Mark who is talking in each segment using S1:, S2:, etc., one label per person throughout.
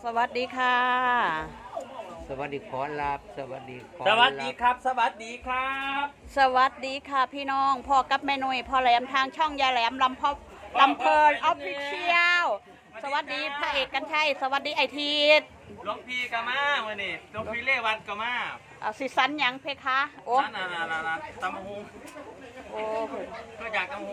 S1: สวัสดีค่ะ
S2: สวัสดีขอรับสวัสดีขอ
S3: สวัสดีครับ สวัสดีครับ
S1: สวัสดีค่ะพี่น้องพ่อกับแม่นุ่ยพ่อแหลมทางช่องยายแหลมลำเพลินออฟฟิเชียลสวัสดีพระเอกกันชัยสวัสดีไอทีด
S3: หลวงพี่กามาเมื่อนี่หลวงพี่เลวันกามา
S1: สิสันหยังเพคะโอ้
S3: นั่นตำหู
S1: โอ้
S3: ก็อยากตำหู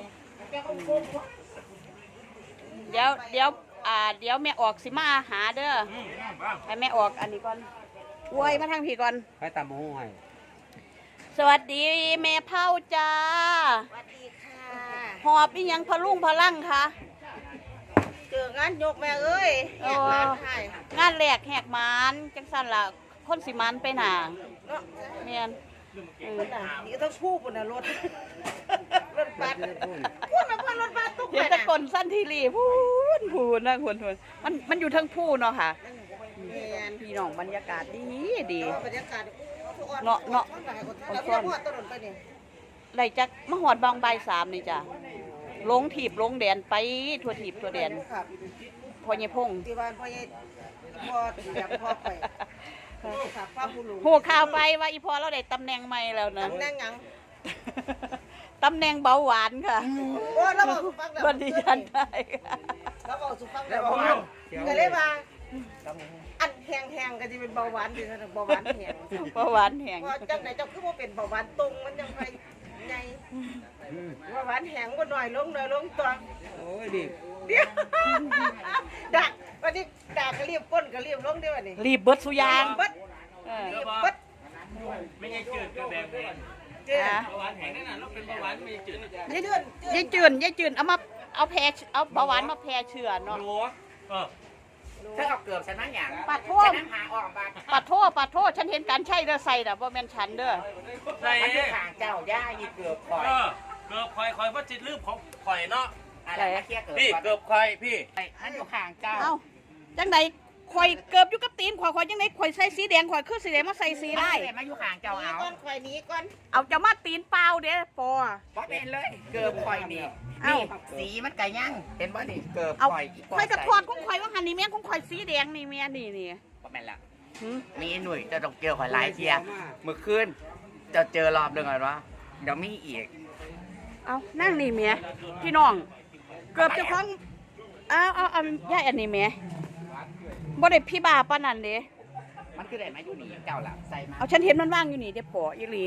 S1: เดี๋ยวแม่ออกสิมาหาเด้อ
S3: บ้าง
S1: ให้แม่ออกอันนี้ก่อนอวยมาทางพี่ก่อน
S2: ให้ตามหูให้
S1: สวัสดีแม่เผาจ้า
S4: สวัสดีค่ะ
S1: หอบอีหยังพะลุงพะลั่งคะ
S4: เจองานยกแม่เอ้ยแหกร้านไทย
S1: งานแหลกแหกหมานจังสันล่ะคนสิมันไปหนา
S4: เนาะ
S1: เมียน
S4: นี่ก็ต้องพูดบนน่ะรถรถบัสพูดแบบว่ารถบัสตุ๊ก
S1: เห็น
S4: ไป
S1: แตะ
S4: น่ะ
S1: กนสั้นทีรีพูนนะคุณมันอยู่ทั้งผู้เนาะค่ะ
S4: เมียน
S1: พี่น้องบรรยากาศดีดี
S4: บรรยากาศ
S1: เนาะแล้วพี่น้องถนนไปนี่ไรจักมหอดบางใบสามนี่จ้ะลงถีบลงแดนไปทั่วถีบทั่วแดน
S4: ครับ
S1: พอเยพง
S4: ที่บ้านพ่อใหญ่พ่อแบบพ่อไปครับพ่อผู้รู้
S1: หัวข่าวไปว่าอีพอเราได้ตำแหน่งใหม่แล้วนะ
S4: ตำแหน่งหยัง
S1: ตำแหน่งเบาหวานค่ะ
S4: โอ้เราบอกสุฟังแล้ว
S1: วันดีฉันได้ค่ะ
S4: เราบอกสุฟังแล้วก็เลยว่าอันแห้งๆก็จะเป็นเบาหวานดีนะเบาหวานแห้ง
S1: เบาหวานแห้ง
S4: พอจังไหนเจ้าคือว่าเป็นเบาหวานตรงมันยังไปไงเบาหวานแห้งก็หน่อยลงตัว
S2: โอ้ยดิ
S4: เดี๋ยวดักวันนี้ดักก็รีบก้นก็รีบลงเดี๋ยววันนี้
S1: รีบเบิดสุยาง
S4: เบิด
S1: เออ
S4: รีบเบิด
S3: ไม่ใช่จืดกับแบบแห้ง
S4: เจ้า
S3: เบาหวานแห้งนั่นน่ะเราเป็นเบาหวานไม่ใช่จืด
S4: ยายเดือน
S1: ยายจืนเอามาเอาเบาหวานมาแพร่เชื้อเนาะ
S3: หนูเออ
S5: ถ้าเอาเกือบฉันนั่งอย่าง
S1: ปัดโท
S5: ฉั
S1: ษ
S5: นนั่งหาออกมา
S1: ปัดโทษฉันเห็นการใช่เด้อใส่น่ะบ่แม่นฉันเด้อ
S3: ใส่
S5: มันอยู่ห่างเจ้าย่าอีเกือบคอย
S3: เกือบคอยว่าจิตลืมของข่อยเนาะ
S5: อะไรมาเคลียร์เกือบ
S3: พี่
S5: ก่อน
S3: เกือบคอยพี่
S5: มันอยู่ห่างเจ้า
S1: เอ้าจังไดข่อยเกือบอยู่กับตีนข่อยจังไดข่อยใส่สีแดงข่อยคือสีแดงมาใส่สีได้
S5: มาอยู่ห่างเจ้า
S4: หนี
S5: เอา
S4: ก่อนคอยหนีก่อน
S1: เอาจะมาตีนเปล่าเด้อปอ
S5: เพราะเป็นเลยเกือบคอยนี่
S1: เอ้า
S5: นี่สีมันไก่ย่างเห็นบ่นี่เกือบ
S1: เอา
S5: คอย
S1: ข่อยกระทอดของข่อยว่าหันนี่แม่งของข่อยสีแดงนี่แม่นี่
S5: ก็แม่นละ
S1: หึ
S5: มีหน่วยจะต้องเกี่ยวคอยหลายเทียเมื่อคืนจะเจอรอบหนึ่งก่อนวะเดี๋ยวมีอีก
S1: เอานั่งนี่แม่พี่น้องเกือบเจะของเอาย่ายอันนี้แม่บ่ได้พี่บาปานนั้นเด้
S5: มันคือได้มาอยู่นี่เจ้าล่ะใส่มา
S1: เอาฉันเห็นมันว่างอยู่นี่เด้ปออีหลี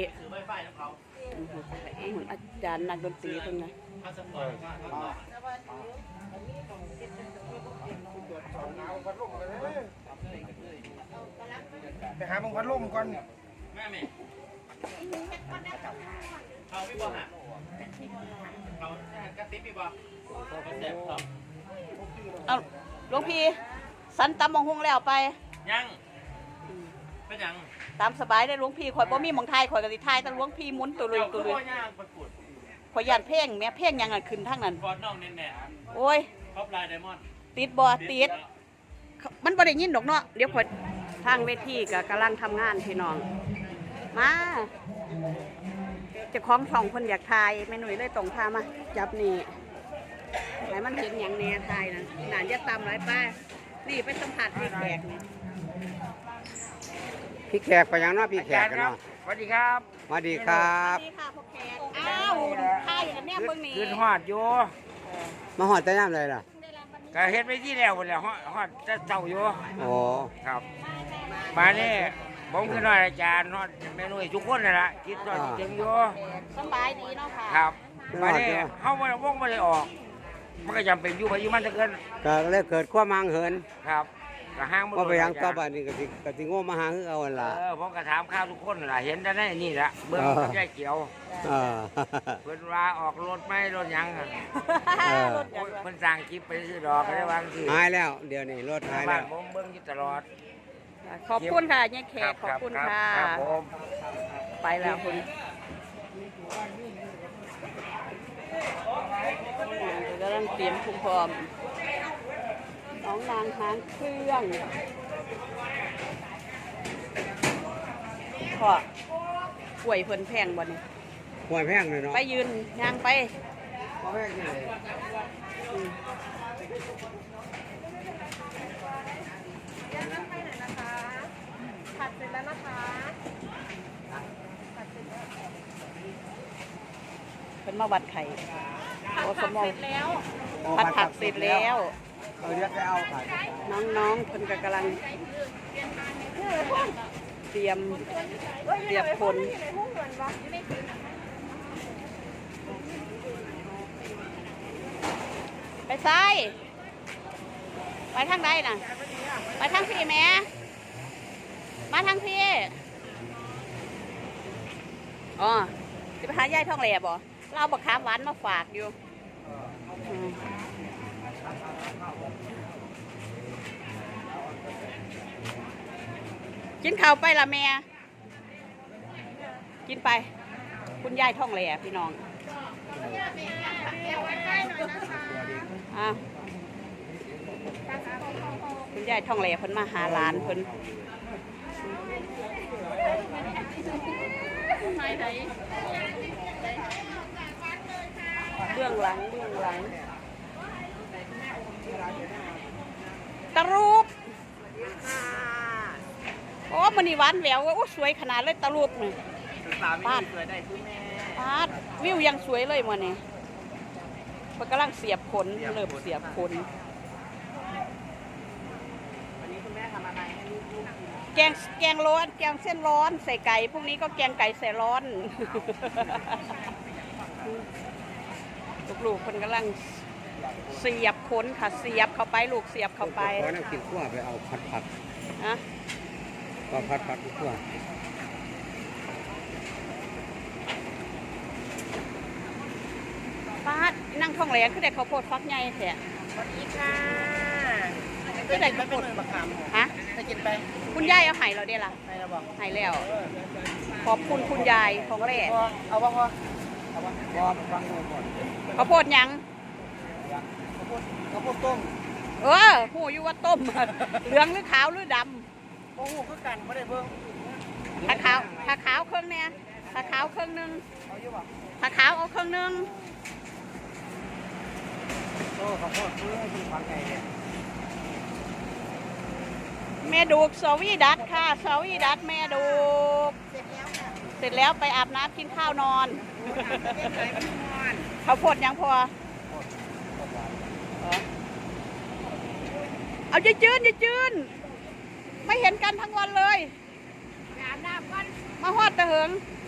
S1: อาจารย์นักดนตรีเพิ่นนะ
S6: ไปหามึงพัดลมก่อน
S3: แม่เอาพี่บอลฮะเอากระติบพี่บอลเสร็จต่อ
S1: เอาหลวงพี่สันตำมงหงแล้วไป
S3: ยังเป็นยัง
S1: ตามสบายได้หลวงพี่ข่อยบ่มีหมองไทยข่อยก็สิทายแต่หลวงพี่หมุนตัวเลยตัวเลย
S3: ย่างประกุด
S1: ข่อยย่านเพ่งแม่เพ่งยังอ่ะขึ้นทางนั้น
S3: กอดน้องแน่
S1: โอ้ย
S3: ๆท็อปไลน์ไดมอนด์
S1: ติดบ่ติดมันบ่ได้ยินดอกเนาะเดี๋ยวข่อยทางเวทีก็กำลังทำงานพี่น้องมาเจ้าของช่องเพิ่นอยากทายแม่หนุ่ยเลยต้องพามาจับนี่ให้มันเห็นหยังแน่ทายนะน่าจะตำหลายป้านี่ไปสัมผัสพี่แขกนี่
S2: พี่แขกไปยังเนาะพี่แขกกันเนาะ
S5: สวัสดีครับ
S2: สวัสดีครับ
S1: สวัสดีค่ะพ่อแขกอ้าวทายอย่างนี้เบิ่งนี่
S5: ขึ้นฮอดอยู่
S2: มาหอดแต่ย่ำเลยล่ะ
S5: ก็เฮ็ดไปที่แล้วหมดแล้วฮอดจะเจ้าอยู่
S2: โอ้
S5: ครับ มาเนี่ยผมคือน้อยอาจารย์ฮอดเมนูทุกคนนั่นล่ะคิดว่าเก่งอยู่
S1: สบายดีเนาะค่ะ
S5: ครับมาเนี่ยเฮาบ่ได้วงบ่ได้ออก มันก็จำเป็นอยู่ไปอยู่มันจะเกิน
S2: ก็เลยเกิดความมังเหิน
S5: ครับก็ห้างบ่
S2: ก็ไปยังต่อ
S5: ไป
S2: บ้านนี่ก็สิโง่มาหาคือเอาหั่นล่ะ
S5: ผมก็ถามข้าวทุกคนล่ะเห็นแต่ในนี่ล่ะเบิ่งกับยายเขียว
S2: เออ
S5: เพิ่นว่าออกรถไหม่รถหยังอะ
S1: รถจักร
S5: เพิ่นสั่งคลิปไปซื้อดอกก็ได้วางสิ
S2: หายแล้ว เดี๋ยวนี้รถหาย
S5: บ้า
S2: แล้
S5: น
S2: ว
S5: ผมเบิ่งอยู่ตลอด
S1: ขอบคุณค่ะยายแขกขอบคุณ
S5: รับ
S1: ค่ะ
S5: ครับผม
S1: ไปแล้วคุณกำลังเตรียมคุ้มพร้อมน้องนางหางเครื่องพ่อกล้วยเพิ่นแพงบ่นี่
S2: ห่วยแพงเลยเนาะ
S1: ไปยืนย่างไป
S2: บ่แพงที่ไหน
S1: อเป็นมาวัดไข่โอ้สมองผัดผักเสร็จแล้ว
S6: เรียกได้เอาค่ะ
S1: น้องๆเพิ่นก็กำลังเตรียมคน ไปซ้ายไปทางใดน่ะ ไปทางพี่แม่มาทางพี่อ๋อจะไปหายายท่องแหล่บ่เราบักขามหวานมาฝากอยู่มกินข้าวไปละแม่กินไป คุณยายท่องแหล่พี่น้องอ่ะคุณยายท่องแหล่เพิ่นมาหาหลานเพิ่นเบื้องหลังตะรูปโอ้มันนี่หวานแหววโอ้สวยขนาดเลยตะรูปนี่ปาดวิวยังสวยเลยมันนี่มันกำลังเสียบขนเริ่มเสียบขนแกงร้อนแกงเส้นร้อนใส่ไก่พรุ่งนี้ก็แกงไก่ใส่ร้อน ลูกๆคนกำลังเสียบขนค่ะเสียบเข้าไปลูกเสียบเข้าไป
S2: ขอน้ำกินขั้วไปเอาผัด
S1: นะ
S2: ก็ผัดขั้ว
S1: ป้าดนั่งท้องแหลงคือได้ข้าวโพดฟักใหญ่แท้
S4: สวัสดีค่ะ
S1: คือได้ข้าวโพดฮะ
S4: ไปกินไป
S1: คุณยายเอาไห้เราเด้ล่ะ
S4: ไปแล้วบอก
S1: ไห้แล้ว ขอบคุณคุณยายของแร่
S4: เอาบ่พอ
S6: ฟังดูก่อน
S1: ข้าวโพดหยัง
S6: ข้าวโพดต้ม
S1: หูอยู่ว่าต้ม เหลืองหรือขาวหรือด
S6: โอ้โหคือกันไม่ได้เบิ่ง
S1: ำถ้าขาวเครื่องเนี่ยถ้าขาวเครื่องนึง
S6: เอาอยู่ป่ะ
S1: ถ้าขาวเอาเครื่องนึง
S6: โอ้ข้าวโพดคือฟังไงเนี่ย
S1: แม่ดูกสวีดัตค่ะสวีดัตแม่ดูกเสร็จแล้วไปอาบน้ำกินข้าวนอนข้าวโพดยังพอเอาอย่าจืนไม่เห็นกันทั้งวันเลยอาบน้ำกันมาฮอดตะเหิง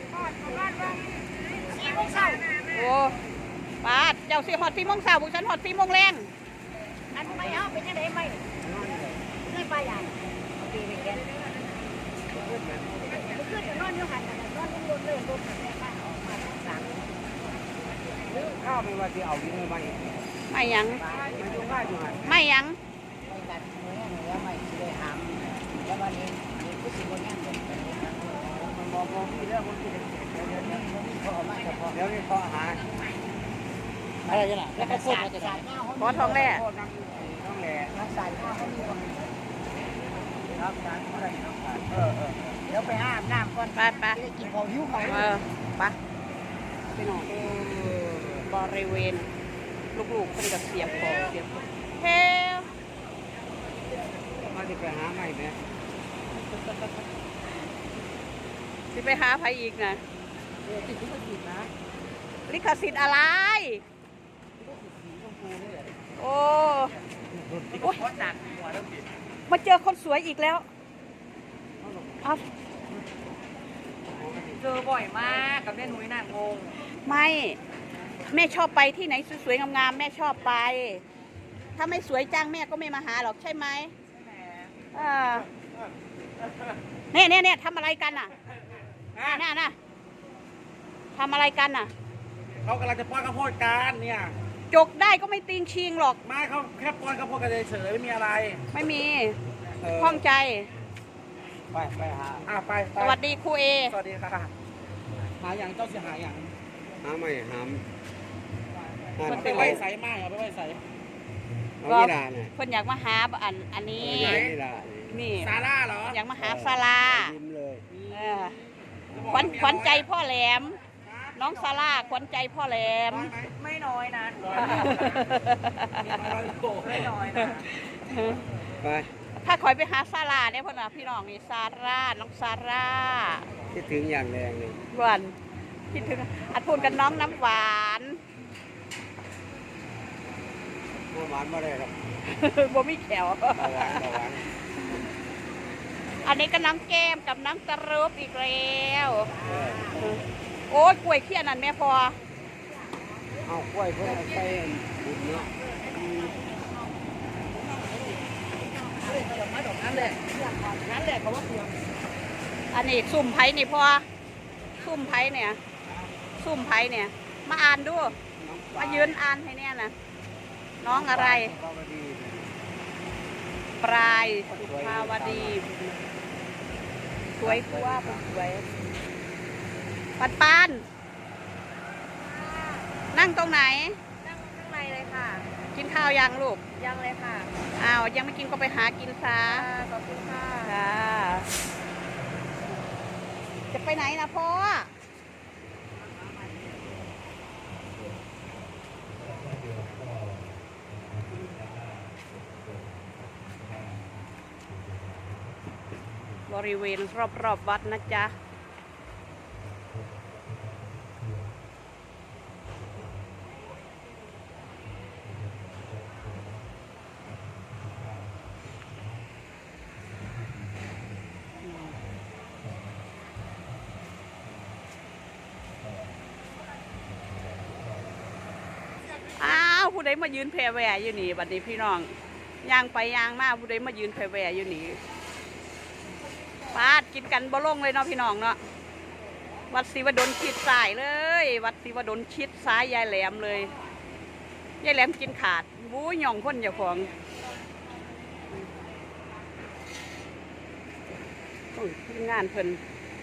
S1: โอ้ป้าเจ้าสิฮอด4 โมงเช้าพวกฉันฮอด4 โมงแรงอันไม่เอาเป็นยังไงไม่ไม่ไปใหญ่ตีไปแกขึ้นนอนอยู่หันนอนบนเลยบนแม่บ้านออกมาสาม
S6: ข้าวไม่ว่าจะเอาดีไม่ไม่
S1: ไม่ยัง
S6: มันอยู่ง่ายอยู่หัน
S1: ไม่ยัง
S4: ไปกันเมื่อเนื้อใหม่สิได้หามแล้ววันนี้มีผู้สิบคนยังเดินไป
S6: มันบอกพี่เรื่องมันคือเดี๋ยวเขาเอามาเฉพาะเดี๋ยวนี้เขาหาอะไรกันล่ะแล้วก็พูดมาจะได้
S1: ขอทองแร่
S6: ต้องแหล่
S4: รักษาข้าวเขามีคน
S6: รับการเท่าไหร่ต้องการ
S4: เดี๋ยวไปอาบน้ำก่อน
S1: ไป
S4: ได้กินของหิวของ
S1: ไปไปนอนบริเวณลูกๆเป็นกับเสียบของเสียบเฮ้
S2: มาจะไปหาใหม่ไหม
S1: สิไปหาใครอีกนะ
S4: ติดที่มันติดนะ
S1: ลิขสิทธิ์อะไร โอ้โอ้ยมาเจอคนสวยอีกแล้วเอา
S4: เจอบ่อยมากกับแม่นุ้ยน่ะงง
S1: ไม่แม่ชอบไปที่ไหนสวยๆงามๆแม่ชอบไป ถ้าไม่สวยจังแม่ก็ไม่มาหาหรอกใช่ไหมเนี่ยทำอะไรกันน่ะน่ะทำอะไรกันน่ะ
S6: เขากำลังจะป้อนข้าวโพดกันเนี่ย
S1: จกได้ก็ไม่ตีงชิงหรอก
S6: ไม่เขาแค่ป้อนข้าวโพดกันเฉยไม่มีอะไร
S1: ไม่มีข้องใจ
S6: ไปหาไป
S1: สวัสดีครูเอ
S6: สวัสดีค่ะหาอย่างเจ้าเสียหายอย่าง
S2: หาใหม่หาม
S6: มันไปไว้ใส่ไม้เอาไปไว้ใส่
S2: เอานี่ล่ะเนี่ย
S1: เพิ่นอยากมาหาอันนี้
S2: นี่ล่ะ
S1: นี่
S6: ซาร่าเหรอ
S1: อยากมาหาศาลา
S2: ยิ้มเลย
S1: เออขวัญใจพ่อแหลม น้องซาร่าขวัญใจพ่อแหลม
S4: ไม่น้อยนะ
S6: ไม่น้อยนะ
S2: ไป
S1: ถ้าคอยไปหาซาร่าเนี่ยพ่อน่ะพี่น้องนี่ซาร่าน้องซาร่า
S2: คิดถึงอย่างแรงเลย
S1: วันคิดถึงอัดพูดกันน้องน้ำหวาน
S6: หวานมาได้ครับ
S1: บ่มีแขว
S6: หวาน
S1: อันนี้ก็น้องแก้มกับน้องตะรุบอีกแล้วโอ้ยกล้วยเขี้ยนั่นแม่พอ
S6: เอากล้วยเพื่อใส่บุญเนาะ
S1: อันนี้ซุ่มไผ่นี่พอซุ่มไผ่เนี่ยซุ่มไผ่เนี่ย มาอ่านดูมายืนอ่านให้เนี่ยนะน้องอะไร ปลายสุภาวดีสวยกว่าสวยปันปันนั่งตรงไหน
S4: นั่งข้างในเลยค่ะ
S1: กินข้าวยังลูก
S4: ยังเลยค่ะ
S1: อ้าวยังไม่กินก็ไปหากินซะ
S4: ขอบคุณค่ะ
S1: ค่ะจะไปไหนนะพ่อ บริเวณรอบๆวัดนะจ๊ะ อ้าวผู้ใดมายืนแพรแหวอยู่นี่บัดนี้พี่น้องย่างไปย่างมาผู้ใดมายืนแพรแหวอยู่นี่ปาดกินกันบ่ลงเลยเนาะพี่น้องเนาะวัดศิวดลชิดซ้ายเลย วัดศิวดลชิดซ้ายยายแหลมเลยยายแหลมกินขาดบู๊ย่องคนเจ้าของโอ้ยทีมงานเพิ่น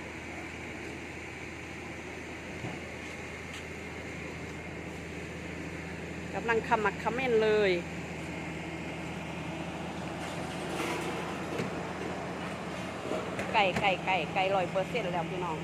S1: กำลังขมักเขม้นเลยไก่100%แล้วพี่น้อง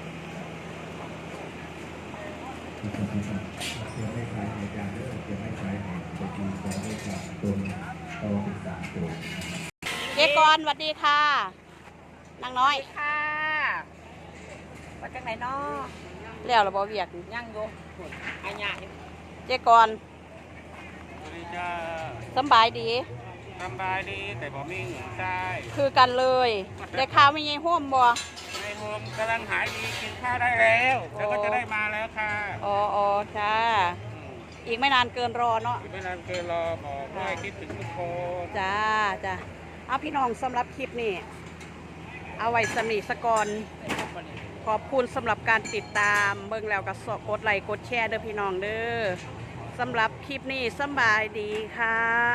S1: เจ๊กรสวัสดีค่ะนางน้อย
S4: ค่ะมาจากไหนเนาะ
S1: แล้วเราบอเวียก
S4: ยังอยู่อันใหญ่
S1: เจ๊กร
S3: สวัสดีจ้า
S1: สำบายดี
S3: สบายดีแต่บ่มีเงินใช้
S1: คือกันเลยได้ข่าวมีไงห่วมบ่
S3: ในโฮมกำลังหายดีกินข้าวได้แล้วแล้วก็จะได้มาแล้วค่ะ
S1: อ๋อจ้าอีกไม่นานเกินรอเนาะ
S3: อีกไม่นานเกินรอบอกว่าคิดถึงทุกคน
S1: จ้าเอาพี่น้องสำหรับคลิปนี้เอาไว้สนิทสกอนขอบคุณสำหรับการติดตามเบิ่งแล้วก็กดไลค์กดแชร์เด้อพี่น้องเด้อสำหรับคลิปนี้สำบายดีค่ะ